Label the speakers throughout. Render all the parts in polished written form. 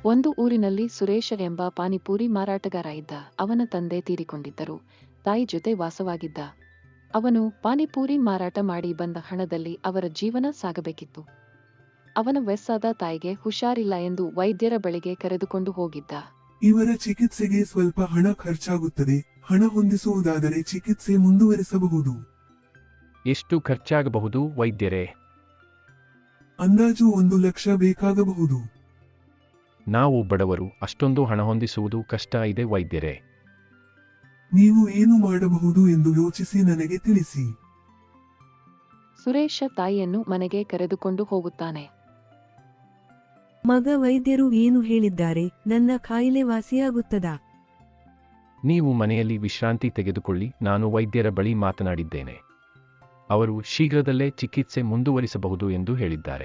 Speaker 1: ಒಂದು ಊರಿನಲ್ಲಿ ಸುರೇಶ ಎಂಬ ಪಾನಿಪೂರಿ ಮಾರಾಟಗಾರ ಇದ್ದ. ಅವನ ತಂದೆ ತೀರಿಕೊಂಡಿದ್ದರು. ತಾಯಿ ಜೊತೆ ವಾಸವಾಗಿದ್ದ. ಅವನು ಪಾನಿಪೂರಿ ಮಾರಾಟ ಮಾಡಿ ಬಂದ ಹಣದಲ್ಲಿ ಅವರ ಜೀವನ ಸಾಗಬೇಕಿತ್ತು. ಅವನ ವಯಸ್ಸಾದ ತಾಯಿಗೆ ಹುಷಾರಿಲ್ಲ ಎಂದು ವೈದ್ಯರ ಬಳಿಗೆ ಕರೆದುಕೊಂಡು ಹೋಗಿದ್ದ.
Speaker 2: ಇವರ ಚಿಕಿತ್ಸೆಗೆ ಸ್ವಲ್ಪ ಹಣ ಖರ್ಚಾಗುತ್ತದೆ. ಹಣ ಹೊಂದಿಸುವುದಾದರೆ ಚಿಕಿತ್ಸೆ ಮುಂದುವರಿಸಬಹುದು.
Speaker 3: ಎಷ್ಟು ಖರ್ಚಾಗಬಹುದು ವೈದ್ಯರೇ?
Speaker 2: ಅಂದಾಜು 1 ಲಕ್ಷ ಬೇಕಾಗಬಹುದು.
Speaker 3: ನಾವು ಬಡವರು, ಅಷ್ಟೊಂದು ಹಣ ಹೊಂದಿಸುವುದು ಕಷ್ಟ ಇದೆ ವೈದ್ಯರೇ.
Speaker 2: ನೀವು ಏನು ಮಾಡಬಹುದು ಎಂದು ಯೋಚಿಸಿ ನನಗೆ ತಿಳಿಸಿ.
Speaker 1: ಸುರೇಶ ತಾಯಿಯನ್ನು ಮನೆಗೆ ಕರೆದುಕೊಂಡು ಹೋಗುತ್ತಾನೆ.
Speaker 4: ಮಗ, ವೈದ್ಯರು ಏನು ಹೇಳಿದ್ದಾರೆ? ನನ್ನ ಕಾಯಿಲೆ ವಾಸಿಯಾಗುತ್ತದಾ?
Speaker 3: ನೀವು ಮನೆಯಲ್ಲಿ ವಿಶ್ರಾಂತಿ ತೆಗೆದುಕೊಳ್ಳಿ. ನಾನು ವೈದ್ಯರ ಬಳಿ ಮಾತನಾಡಿದ್ದೇನೆ. ಅವರು ಶೀಘ್ರದಲ್ಲೇ ಚಿಕಿತ್ಸೆ ಮುಂದುವರಿಸಬಹುದು ಎಂದು ಹೇಳಿದ್ದಾರೆ.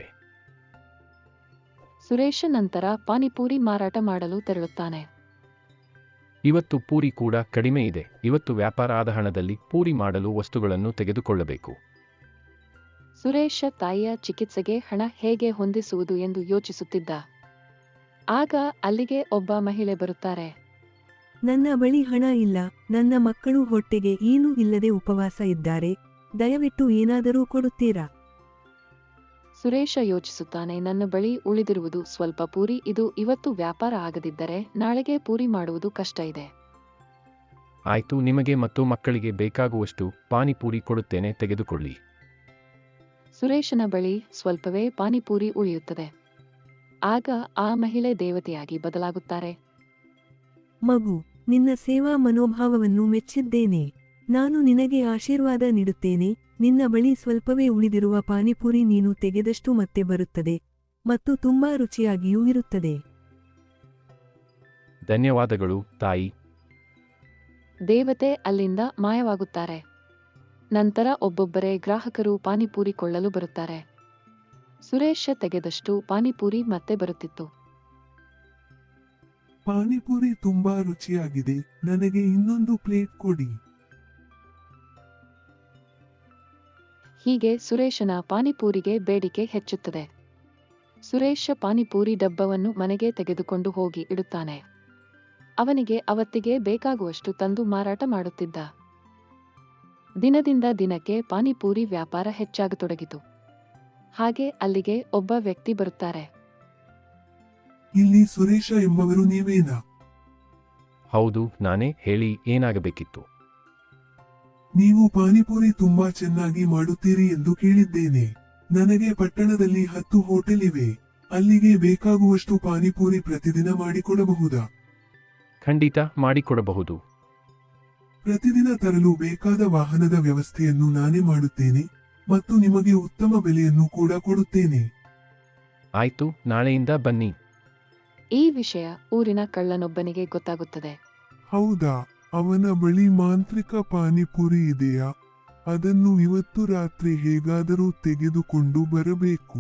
Speaker 1: ಸುರೇಶ ನಂತರ ಪಾನಿಪೂರಿ ಮಾರಾಟ ಮಾಡಲು ತೆರಳುತ್ತಾನೆ.
Speaker 3: ಇವತ್ತು ಪೂರಿ ಕೂಡ ಕಡಿಮೆ ಇದೆ. ಇವತ್ತು ವ್ಯಾಪಾರ ಆದ ಹಣದಲ್ಲಿ ಪೂರಿ ಮಾಡಲು ವಸ್ತುಗಳನ್ನು ತೆಗೆದುಕೊಳ್ಳಬೇಕು.
Speaker 1: ಸುರೇಶ ತಾಯಿಯ ಚಿಕಿತ್ಸೆಗೆ ಹಣ ಹೇಗೆ ಹೊಂದಿಸುವುದು ಎಂದು ಯೋಚಿಸುತ್ತಿದ್ದ. ಆಗ ಅಲ್ಲಿಗೆ ಒಬ್ಬ ಮಹಿಳೆ ಬರುತ್ತಾರೆ.
Speaker 4: ನನ್ನ ಬಳಿ ಹಣ ಇಲ್ಲ. ನನ್ನ ಮಕ್ಕಳು ಹೊಟ್ಟೆಗೆ ಏನೂ ಇಲ್ಲದೆ ಉಪವಾಸ ಇದ್ದಾರೆ. ದಯವಿಟ್ಟು ಏನಾದರೂ ಕೊಡುತ್ತೀರಾ?
Speaker 1: ಸುರೇಶ ಯೋಚಿಸುತ್ತಾನೆ. ನನ್ನ ಬಳಿ ಉಳಿದಿರುವುದು ಸ್ವಲ್ಪ ಪೂರಿ. ಇದು ಇವತ್ತು ವ್ಯಾಪಾರ ಆಗದಿದ್ದರೆ ನಾಳೆಗೆ ಪೂರಿ ಮಾಡುವುದು ಕಷ್ಟ ಇದೆ.
Speaker 3: ಆಯ್ತು, ನಿಮಗೆ ಮತ್ತು ಮಕ್ಕಳಿಗೆ ಬೇಕಾಗುವಷ್ಟು ಪಾನಿಪೂರಿ ಕೊಡುತ್ತೇನೆ, ತೆಗೆದುಕೊಳ್ಳಿ.
Speaker 1: ಸುರೇಶನ ಬಳಿ ಸ್ವಲ್ಪವೇ ಪಾನಿಪೂರಿ ಉಳಿಯುತ್ತದೆ. ಆಗ ಆ ಮಹಿಳೆ ದೇವತೆಯಾಗಿ ಬದಲಾಗುತ್ತಾರೆ.
Speaker 4: ಮಗು, ನಿನ್ನ ಸೇವಾ ಮನೋಭಾವವನ್ನು ಮೆಚ್ಚಿದ್ದೇನೆ. ನಾನು ನಿನಗೆ ಆಶೀರ್ವಾದ ನೀಡುತ್ತೇನೆ. ನಿನ್ನ ಬಳಿ ಸ್ವಲ್ಪವೇ ಉಳಿದಿರುವ ಪಾನಿಪೂರಿ ನೀನು ತೆಗೆದಷ್ಟು ಮತ್ತೆ ಬರುತ್ತದೆ ಮತ್ತು ತುಂಬಾ ರುಚಿಯಾಗಿಯೂ ಇರುತ್ತದೆ.
Speaker 3: ಧನ್ಯವಾದಗಳು ತಾಯಿ.
Speaker 1: ದೇವತೆ ಅಲ್ಲಿಂದ ಮಾಯವಾಗುತ್ತಾರೆ. ನಂತರ ಒಬ್ಬೊಬ್ಬರೇ ಗ್ರಾಹಕರು ಪಾನಿಪೂರಿ ಕೊಳ್ಳಲು ಬರುತ್ತಾರೆ. ಸುರೇಶ ತೆಗೆದಷ್ಟು ಪಾನಿಪೂರಿ ಮತ್ತೆ ಬರುತ್ತಿತ್ತು.
Speaker 2: ಪಾನಿಪೂರಿ ತುಂಬಾ ರುಚಿಯಾಗಿದೆ. ನನಗೆ ಇನ್ನೊಂದು ಪ್ಲೇಟ್ ಕೊಡಿ.
Speaker 1: ಹೀಗೆ ಸುರೇಶನ ಪಾನಿಪೂರಿಗೆ ಬೇಡಿಕೆ ಹೆಚ್ಚುತ್ತದೆ. ಸುರೇಶ ಪಾನಿಪೂರಿ ಡಬ್ಬವನ್ನು ಮನೆಗೆ ತೆಗೆದುಕೊಂಡು ಹೋಗಿ ಇಡುತ್ತಾನೆ. ಅವನಿಗೆ ಅವತ್ತಿಗೆ ಬೇಕಾಗುವಷ್ಟು ತಂದು ಮಾರಾಟ ಮಾಡುತ್ತಿದ್ದ. ದಿನದಿಂದ ದಿನಕ್ಕೆ ಪಾನಿಪೂರಿ ವ್ಯಾಪಾರ ಹೆಚ್ಚಾಗತೊಡಗಿತು. ಹಾಗೆ ಅಲ್ಲಿಗೆ ಒಬ್ಬ ವ್ಯಕ್ತಿ ಬರುತ್ತಾರೆ.
Speaker 2: ಇಲ್ಲಿ ಸುರೇಶ ಎಂಬವರು ನೀವೇನಾ?
Speaker 3: ಹೌದು, ನಾನೇ. ಹೇಳಿ, ಏನಾಗಬೇಕಿತ್ತು?
Speaker 2: ನೀವು ಪಾನಿಪೂರಿ ತುಂಬಾ ಚೆನ್ನಾಗಿ ಮಾಡುತ್ತೀರಿ ಎಂದು ಕೇಳಿದ್ದೇನೆ. ನನಗೆ ಪಟ್ಟಣದಲ್ಲಿ 10 ಹೋಟೆಲ್ ಇವೆ. ಅಲ್ಲಿಗೆ ಬೇಕಾಗುವಷ್ಟು ಪಾನಿಪೂರಿ ಪ್ರತಿದಿನ ಮಾಡಿಕೊಡಬಹುದಾ?
Speaker 3: ಖಂಡಿತ ಮಾಡಿಕೊಡಬಹುದು.
Speaker 2: ಪ್ರತಿದಿನ ತರಲು ಬೇಕಾದ ವಾಹನದ ವ್ಯವಸ್ಥೆಯನ್ನು ನಾನೇ ಮಾಡುತ್ತೇನೆ ಮತ್ತು ನಿಮಗೆ ಉತ್ತಮ ಬೆಲೆಯನ್ನು ಕೂಡ ಕೊಡುತ್ತೇನೆ.
Speaker 3: ಆಯ್ತು, ನಾಳೆಯಿಂದ ಬನ್ನಿ.
Speaker 1: ಈ ವಿಷಯ ಊರಿನ ಕಳ್ಳನೊಬ್ಬನಿಗೆ ಗೊತ್ತಾಗುತ್ತದೆ.
Speaker 2: ಹೌದಾ? ಅವನ ಬಳಿ ಮಾಂತ್ರಿಕ ಪಾನಿಪುರಿ ಇದೆಯಾ? ಅದನ್ನು ಇವತ್ತು ರಾತ್ರಿ ಹೇಗಾದರೂ ತೆಗೆದುಕೊಂಡು ಬರಬೇಕು.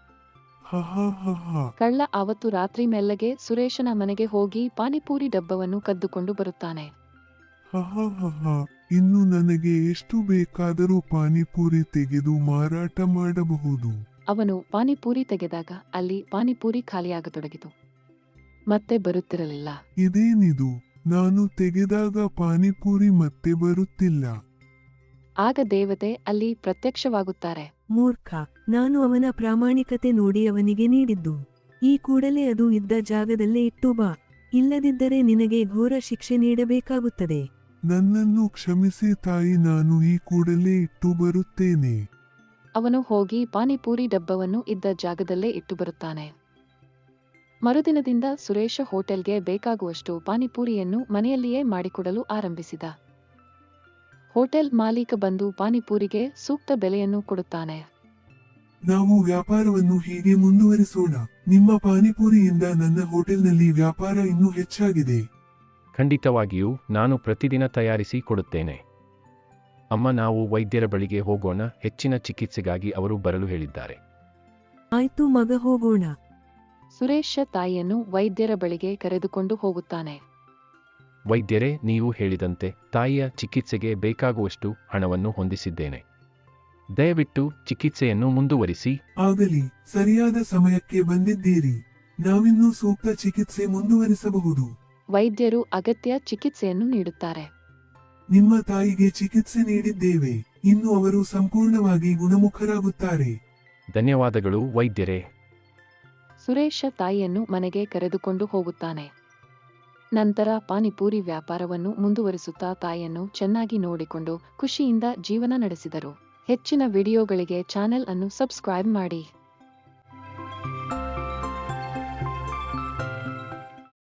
Speaker 2: ಹಹ.
Speaker 1: ಕಳ್ಳ ಆವತ್ತು ರಾತ್ರಿ ಮೆಲ್ಲಗೆ ಸುರೇಶನ ಮನೆಗೆ ಹೋಗಿ ಪಾನಿಪೂರಿ ಡಬ್ಬವನ್ನು ಕದ್ದುಕೊಂಡು ಬರುತ್ತಾನೆ.
Speaker 2: ಹಹ. ಇನ್ನು ನನಗೆ ಎಷ್ಟು ಬೇಕಾದರೂ ಪಾನಿಪೂರಿ ತೆಗೆದು ಮಾರಾಟ ಮಾಡಬಹುದು.
Speaker 1: ಅವನು ಪಾನಿಪೂರಿ ತೆಗೆದಾಗ ಅಲ್ಲಿ ಪಾನಿಪೂರಿ ಖಾಲಿಯಾಗತೊಡಗಿತು. ಮತ್ತೆ ಬರುತ್ತಿರಲಿಲ್ಲ.
Speaker 2: ಇದೇನಿದು? ನಾನು ತೆಗೆದಾಗ ಪಾನಿಪೂರಿ ಮತ್ತೆ ಬರುತ್ತಿಲ್ಲ.
Speaker 1: ಆಗ ದೇವತೆ ಅಲ್ಲಿ ಪ್ರತ್ಯಕ್ಷವಾಗುತ್ತಾರೆ.
Speaker 4: ಮೂರ್ಖ, ನಾನು ಅವನ ಪ್ರಾಮಾಣಿಕತೆ ನೋಡಿ ಅವನಿಗೆ ನೀಡಿದ್ದು. ಈ ಕೂಡಲೇ ಅದು ಇದ್ದ ಜಾಗದಲ್ಲೇ ಇಟ್ಟು ಬಾ. ಇಲ್ಲದಿದ್ದರೆ ನಿನಗೆ ಘೋರ ಶಿಕ್ಷೆ ನೀಡಬೇಕಾಗುತ್ತದೆ.
Speaker 2: ನನ್ನನ್ನು ಕ್ಷಮಿಸಿ ತಾಯಿ, ನಾನು ಈ ಕೂಡಲೇ ಇಟ್ಟು ಬರುತ್ತೇನೆ.
Speaker 1: ಅವನು ಹೋಗಿ ಪಾನಿಪೂರಿ ಡಬ್ಬವನ್ನು ಇದ್ದ ಜಾಗದಲ್ಲೇ ಇಟ್ಟು ಬರುತ್ತಾನೆ. ಮರುದಿನದಿಂದ ಸುರೇಶ ಹೋಟೆಲ್ಗೆ ಬೇಕಾಗುವಷ್ಟು ಪಾನಿಪೂರಿಯನ್ನು ಮನೆಯಲ್ಲಿಯೇ ಮಾಡಿಕೊಡಲು ಆರಂಭಿಸಿದ. ಹೋಟೆಲ್ ಮಾಲೀಕ ಬಂದು ಪಾನಿಪೂರಿಗೆ ಸೂಕ್ತ ಬೆಲೆಯನ್ನು ಕೊಡುತ್ತಾನೆ.
Speaker 2: ನಾವು ವ್ಯಾಪಾರವನ್ನು ಹೀಗೆ ಮುಂದುವರಿಸೋಣ. ನಿಮ್ಮ ಪಾನಿಪೂರಿಯಿಂದ ನನ್ನ ಹೋಟೆಲ್ನಲ್ಲಿ ವ್ಯಾಪಾರ ಇನ್ನೂ ಹೆಚ್ಚಾಗಿದೆ.
Speaker 3: ಖಂಡಿತವಾಗಿಯೂ ನಾನು ಪ್ರತಿದಿನ ತಯಾರಿಸಿ ಕೊಡುತ್ತೇನೆ. ಅಮ್ಮ, ನಾವು ವೈದ್ಯರ ಬಳಿಗೆ ಹೋಗೋಣ. ಹೆಚ್ಚಿನ ಚಿಕಿತ್ಸೆಗಾಗಿ ಅವರು ಬರಲು ಹೇಳಿದ್ದಾರೆ.
Speaker 4: ಆಯ್ತು ಮಗ, ಹೋಗೋಣ.
Speaker 1: ಸುರೇಶ ತಾಯಿಯನ್ನು ವೈದ್ಯರ ಬಳಿಗೆ ಕರೆದುಕೊಂಡು ಹೋಗುತ್ತಾನೆ.
Speaker 3: ವೈದ್ಯರೇ, ನೀವು ಹೇಳಿದಂತೆ ತಾಯಿಯ ಚಿಕಿತ್ಸೆಗೆ ಬೇಕಾಗುವಷ್ಟು ಹಣವನ್ನು ಹೊಂದಿಸಿದ್ದೇನೆ. ದಯವಿಟ್ಟು ಚಿಕಿತ್ಸೆಯನ್ನು ಮುಂದುವರಿಸಿ.
Speaker 2: ಆಗಲಿ, ಸರಿಯಾದ ಸಮಯಕ್ಕೆ ಬಂದಿದ್ದೀರಿ. ನಾವಿನ್ನೂ ಸೂಕ್ತ ಚಿಕಿತ್ಸೆ ಮುಂದುವರಿಸಬಹುದು.
Speaker 1: ವೈದ್ಯರು ಅಗತ್ಯ ಚಿಕಿತ್ಸೆಯನ್ನು ನೀಡುತ್ತಾರೆ.
Speaker 2: ನಿಮ್ಮ ತಾಯಿಗೆ ಚಿಕಿತ್ಸೆ ನೀಡಿದ್ದೇವೆ. ಇನ್ನು ಅವರು ಸಂಪೂರ್ಣವಾಗಿ ಗುಣಮುಖರಾಗುತ್ತಾರೆ.
Speaker 3: ಧನ್ಯವಾದಗಳು ವೈದ್ಯರೇ.
Speaker 1: ಸುರೇಶ ತಾಯಿಯನ್ನು ಮನೆಗೆ ಕರೆದುಕೊಂಡು ಹೋಗುತ್ತಾನೆ. ನಂತರ ಪಾನಿಪೂರಿ ವ್ಯಾಪಾರವನ್ನು ಮುಂದುವರಿಸುತ್ತಾ ತಾಯಿಯನ್ನು ಚೆನ್ನಾಗಿ ನೋಡಿಕೊಂಡು ಖುಷಿಯಿಂದ ಜೀವನ ನಡೆಸಿದರು. ಹೆಚ್ಚಿನ ವಿಡಿಯೋಗಳಿಗೆ ಚಾನೆಲ್ ಅನ್ನು ಸಬ್ಸ್ಕ್ರೈಬ್ ಮಾಡಿ.